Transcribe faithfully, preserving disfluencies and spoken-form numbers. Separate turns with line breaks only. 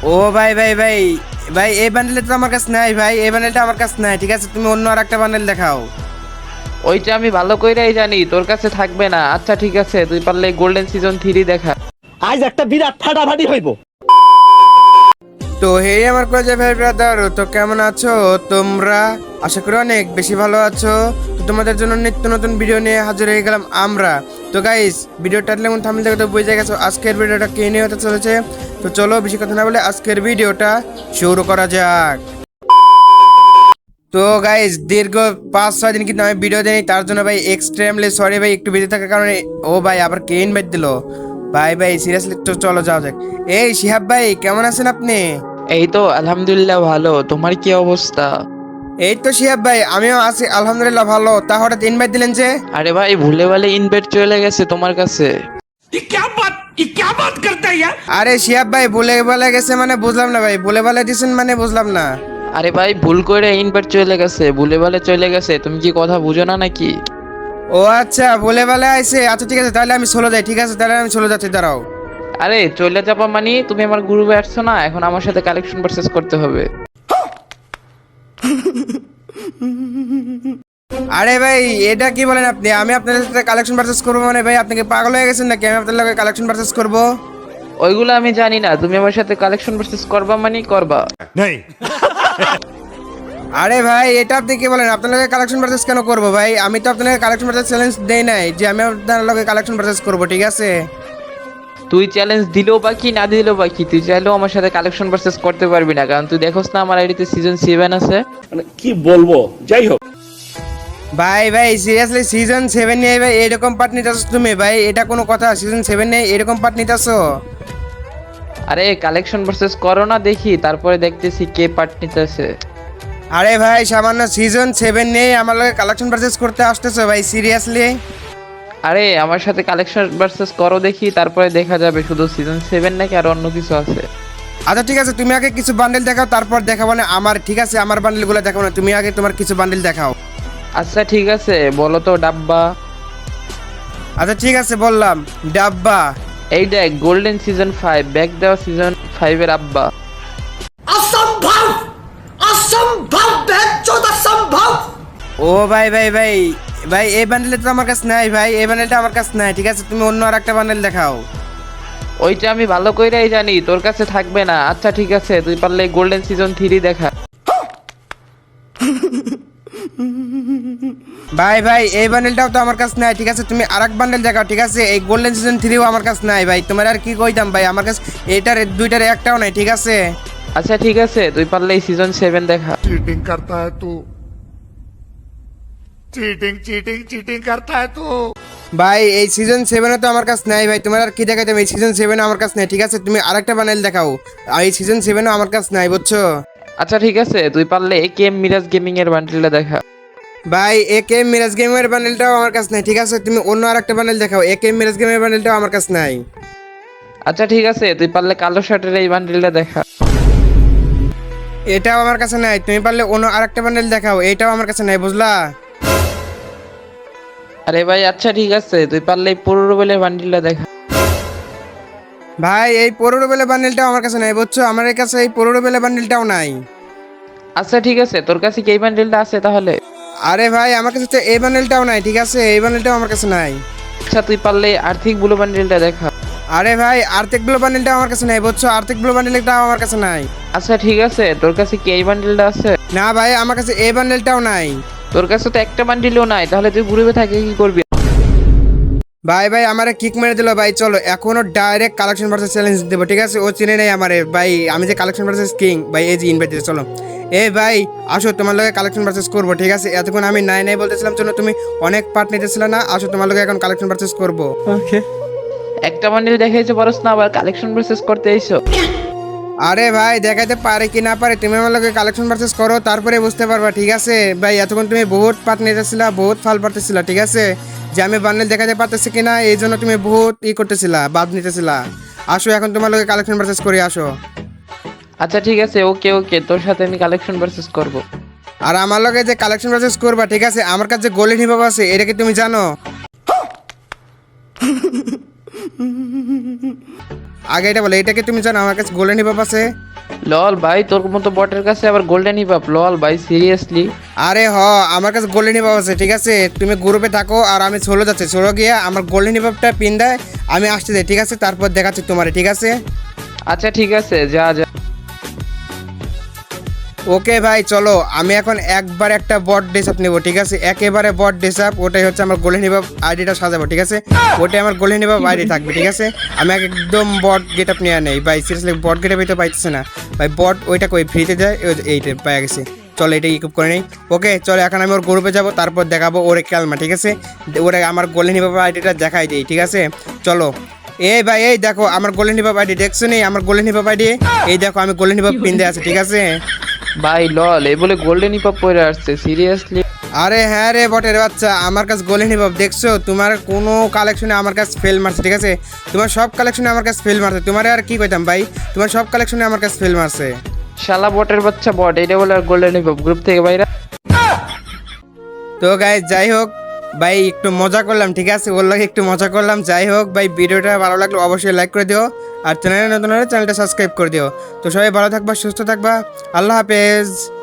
ও ভাই ভাই ভাই ভাই এই বান্ডেলটা তো আমার কাছে নাই ভাই, এই বান্ডেলটা আমার কাছে নাই। ঠিক আছে, তুমি অন্য আর একটা বান্ডেল দেখাও।
ওইটা আমি ভালো কইরাই জানি তোর কাছে থাকবে না। আচ্ছা ঠিক আছে, তুই পারলে গোল্ডেন সিজন থ্রি দেখা।
আজ একটা বিরাট ফাটাফাটি হইব।
তো হে আমার কলেজে ভাই ব্রাদার, তো কেমন আছো তোমরা? আশা করি অনেক বেশি ভালো আছো। তো তোমাদের জন্য নিত্য নতুন ভিডিও নিয়ে হাজির হয়ে গেলাম আমরা। তো গাইস, ভিডিওটা যেমন থাম্বনেল দেখে তো বুঝে গেছো আজকের ভিডিওটা কে নিয়ে হতে চলেছে। তো চলো বেশি কথা না বলে আজকের ভিডিওটা শুরু করা যাক। তো গাইস, দীর্ঘ পাঁচ ছয় দিন কিন্তু আমি ভিডিও দিই, তার জন্য ভাই এক্সট্রিমলি সরি ভাই, একটু বিজি থাকার কারণে। ও ভাই আবার কে ইনভাইট দিল ভাই? ভাই সিরিয়াসলি তো চলো যাও যাক। এই শিহাব ভাই, কেমন আছেন আপনি?
এই তো আলহামদুলিল্লাহ ভালো, তোমার কি অবস্থা?
এই তো শিহাব ভাই, আমিও আছি আলহামদুলিল্লাহ ভালো। তা হঠাৎ ইনভাইট দিলেন যে?
আরে ভাই ভুলে ভালে ইনভাইট চলে গেছে তোমার কাছে।
আরে শিহাব ভাই, বলে বলে গেছে মানে বুঝলাম না ভাই, বলে বলে দিছেন মানে বুঝলাম না।
আরে ভাই ভুল করে ইনভাইট চলে গেছে, ভুলে ভালে চলে গেছে, তুমি কি কথা বুঝো না নাকি?
ও আচ্ছা, বলে বলে আইছে। আচ্ছা ঠিক আছে, তাহলে আমি চলে যাই। ঠিক আছে, তাহলে আমি চলে যাচ্ছি, দাঁড়াও।
আরে চলে যাবা মানে তুমি আমার গ্রুপে আসছো না, এখন আমার সাথে কালেকশন পারচেজ করতে হবে।
আরে ভাই, এটা কি বলেন আপনি? আমি আপনার সাথে কালেকশন পারচেস করবো মানে ভাই আপনি কি পাগল হয়ে গেছেন নাকি? আমি আপনার লগে কালেকশন পারচেস করবো?
ওইগুলো আমি জানি না, তুমি আমার সাথে কালেকশন পারচেজ করবা মানে করবা।
আরে ভাই, এটা আপনি কি বলেন? আপনার লগে কালেকশন পারচেস কেন করবো ভাই? আমি তো আপনাকে কালেকশন পারচেস চ্যালেঞ্জ দেই নাই যে আমি আপনার লগে কালেকশন পারচেস করবো। ঠিক আছে,
তুই চ্যালেঞ্জ দিলেও বা কি না দিলেও বা কি, তুই চাইলেও আমার সাথে কালেকশন পারচেজ করতে পারবি না, কারণ তুই দেখোস না আমার আইডিতে সিজন সেভেন আছে।
মানে কি বলবো, যাই হোক।
ভাই ভাই সিরিয়াসলি সিজন সেভেন নিয়ে ভাই এরকম পার্ট নিতেছো তুমি ভাই? এটা কোনো কথা? সিজন সেভেন নিয়ে এরকম পার্ট নিতেছো?
আরে কালেকশন পারচেজ করো না দেখি, তারপরে দেখতেছি কে পার্ট নিতেছে।
আরে ভাই, সামান্য সিজন সেভেন নিয়ে আমার লগে কালেকশন পারচেস করতে আসতেছো ভাই? সিরিয়াসলি?
আরে আমার সাথে কালেকশন পারচেজ করো দেখি, তারপরে দেখা যাবে শুধু সিজন সেভেন নাকি আর অন্য কিছু আছে।
আচ্ছা ঠিক আছে, তুমি আগে কিছু বান্ডেল দেখাও, তারপর দেখাবো না আমার। ঠিক আছে, আমার বান্ডেলগুলো দেখাবো না, তুমি আগে তোমার কিছু বান্ডেল দেখাও।
আচ্ছা ঠিক আছে, বলো তো ডাব্বা।
আচ্ছা ঠিক আছে, বললাম ডাব্বা।
এই দেখ গোল্ডেন সিজন ফাইভ, ব্যাক দেওয়া সিজন ফাইভ এর আব্বা।
অসম্ভব, অসম্ভব, বেচোদ অসম্ভব।
ও ভাই ভাই ভাই ভাই, এই বান্ডেলটা তো আমার কাছে নাই ভাই, এই বান্ডেলটা আমার কাছে নাই। ঠিক আছে, তুমি অন্য আর একটা বান্ডেল দেখাও।
ওইটা আমি ভালো কইরাই জানি তোর কাছে থাকবে না। আচ্ছা ঠিক আছে, তুই পারলে গোল্ডেন সিজন থ্রি দেখা।
ভাই ভাই, এই বান্ডেলটাও তো আমার কাছে নাই। ঠিক আছে, তুমি আরেক বান্ডেল দেখাও। ঠিক আছে, এই গোল্ডেন সিজন থ্রিও আমার কাছে নাই ভাই। তোমার আর কি কইতাম ভাই, আমার কাছে এটার দুইটার একটাও নাই। ঠিক আছে,
আচ্ছা ঠিক আছে, তুই পারলে সিজন সেভেন দেখা।
चीटिंग करता है तू चीटिंग चीटिंग चीटिंग करता है तू
ভাই এই সিজন সেভেনও তো আমার কাছে নাই ভাই। তোমার আর কি দেখাইতাম? এই সিজন সেভেনও আমার কাছে নাই। ঠিক আছে, তুমি আরেকটা বান্ডেল দেখাও। আর এই সিজন সেভেনও আমার কাছে নাই, বুঝছো?
আচ্ছা ঠিক আছে, তুই পারলে কে মিরাজ গেমিং এর বান্ডেলটা দেখা।
ভাই এ কে মিরাজ গেমের বান্ডেলটাও আমার কাছে নাই। ঠিক আছে, তুমি অন্য আরেকটা বান্ডেল দেখাও। এ কে মিরাজ গেমের বান্ডেলটাও আমার কাছে নাই।
আচ্ছা ঠিক আছে, তুই পারলে কালো শার্টের এই বান্ডেলটা দেখা।
এটাও আমার কাছে নাই। তুমি পারলে অন্য আরেকটা বান্ডেল দেখাও। এটাও আমার কাছে নাই, বুঝলা?
আরে ভাই আচ্ছা ঠিক আছে, তুই পারলে এই পুরো রুবেলের বান্ডেলটা দেখা।
ভাই এই পনেরো বেলে বান্ডেলটাও আমার কাছে নাই, বুঝছো? আমার কাছে এই পনেরো বেলে বান্ডেলটাও নাই।
আচ্ছা ঠিক আছে, তোর কাছে কি এই বান্ডেলটা আছে তাহলে?
আরে ভাই, আমার কাছে তো এই বান্ডেলটাও নাই। ঠিক আছে, এই বান্ডেলটাও আমার কাছে নাই।
আচ্ছা তুই পারলে আর্থিক ব্লু বান্ডেলটা দেখা।
আরে ভাই, আর্থিক ব্লু বান্ডেলটাও আমার কাছে নাই, বুঝছো? আর্থিক ব্লু বান্ডেলটাও আমার কাছে নাই।
আচ্ছা ঠিক আছে, তোর কাছে কি এই বান্ডেলটা আছে?
না ভাই, আমার কাছে এই বান্ডেলটাও নাই।
তোর কাছে তো একটা বান্ডেলও নাই, তাহলে তুই গ্রুপে থাকে কি করবি?
ভাই ভাই, আমারে কিক মেরে দিল ভাই। চলো এখনো ডাইরেক্ট কালেকশন ভার্সেস চ্যালেঞ্জ দেবো। ঠিক আছে, ও চিনে নেই আমারে ভাই, আমি যে কালেকশন ভার্সেস কিং ভাই। এই যে ইনভাইট দিতে, চলো এ ভাই আসো, তোমার লগে কালেকশন ভার্সেস করবো। ঠিক আছে, এতক্ষণ আমি নাই নাই বলতেছিলাম, চলো তুমি অনেক পার্ট নিতেছিল না, আসো তোমার লগে এখন কালেকশন ভার্সেস করবো।
ওকে, একটা বান্ডেল দেখাইছো পারছ না, আবার কালেকশন প্রসেস করতে আইছো।
আরে ভাই, দেখাতে পারে কি না পারে, তুমি আমার লগে কালেকশন ভার্সেস করো, তারপরে বুঝতে পারবা। ঠিক আছে ভাই, এতক্ষণ তুমি বহুত পার্ট নিতেছিলা, বহুত ফাল পারতেছিলা। ঠিক আছে, যে আমি বান্ডেল দেখাতে পারতেছি কিনা এই জন্য তুমি বহুত ই করতেছিলা, বাদ নিতেছিলা। আসো এখন তোমার লগে কালেকশন ভার্সেস করি, আসো।
আচ্ছা ঠিক আছে, ওকে ওকে, তোর সাথে আমি কালেকশন ভার্সেস করব।
আর আমার লগে যে কালেকশন ভার্সেস করবা, ঠিক আছে, আমার কাছে গোল্ডেন হিপ আছে, এটা কি তুমি জানো? আগে এটা বলে, এটা কি তুমি জানো আমার কাছে গোল্ডেন হিপ আছে?
লল ভাই তোর মতো বটের কাছে আবার গোল্ডেন হিপ আপ লল ভাই সিরিয়াসলি
আরে হ আমার কাছে গোল্ডেন হিপ আছে, ঠিক আছে? তুমি গ্রুপে থাকো আর আমি ষোলো যাচ্ছি, ষোলো গিয়ে আমার গোল্ডেন হিপটা পিন দেয়, আমি আসতে যাই, ঠিক আছে? তারপর দেখাচ্ছি তোমারে, ঠিক আছে?
আচ্ছা ঠিক আছে যা যা।
ওকে ভাই চলো, আমি এখন একবার একটা বট ডেসআপ নেবো, ঠিক আছে? একেবারে বট ডেসআপ, ওটাই হচ্ছে আমার গোল্ডেন হিপ আইডিটা সাজাবো, ঠিক আছে? ওটাই আমার গোল্ডেন হিপ আইডি থাকবে, ঠিক আছে? আমি একদম বট গেট আপ নিয়ে নেই ভাই, সিরিয়াসলি বট গেট আপই তো পাইতেছে না ভাই। বট ওইটা কই ফ্রিতে যায়, এইটা পাই গেছে। চলো এটা ইকুইপ করে নেই। ওকে চলো, এখন আমি ওর গ্রুপে যাবো, তারপর দেখাবো ওরে ক্যালমা, ঠিক আছে? ওরে আমার গোল্ডেন হিপ আইডিটা দেখাই দিই, ঠিক আছে? চলো এই ভাই, এই দেখো আমার গোল্ডেন হিপ আইডি, দেখছো নি আমার গোল্ডেন হিপ আইডি? এই দেখো আমি গোল্ডেন হিপ পিন দিয়ে আছে, ঠিক আছে?
ভাই লল এই বলে গোল্ডেন হিপ আপ পরে আসছে সিরিয়াসলি?
আরে হ্যাঁ রে বটের বাচ্চা, আমার কাছে গোল্ডেন হিপ দেখছো? তোমার কোনো কালেকশনে আমার কাছে ফেল মারছে, ঠিক আছে? তোমার সব কালেকশনে আমার কাছে ফেল মারছে, তোমার আর কি কইতাম ভাই, তোমার সব কালেকশনে আমার কাছে ফেল মারছে।
শালা বটের বাচ্চা বট, এটা বলে আর গোল্ডেন হিপ আপ গ্রুপ থেকে বাইরা।
তো গাইস যাই হোক ভাই, একটু মজা করলাম, ঠিক আছে? ওর লাগে একটু মজা করলাম। যাই হোক ভাই, ভিডিওটা ভালো লাগলে অবশ্যই লাইক করে দিও, আর চ্যানেলে নতুন হলে চ্যানেলটা সাবস্ক্রাইব করে দিও। তো সবাই ভালো থাকবা, সুস্থ থাকবা, আল্লাহ হাফেজ।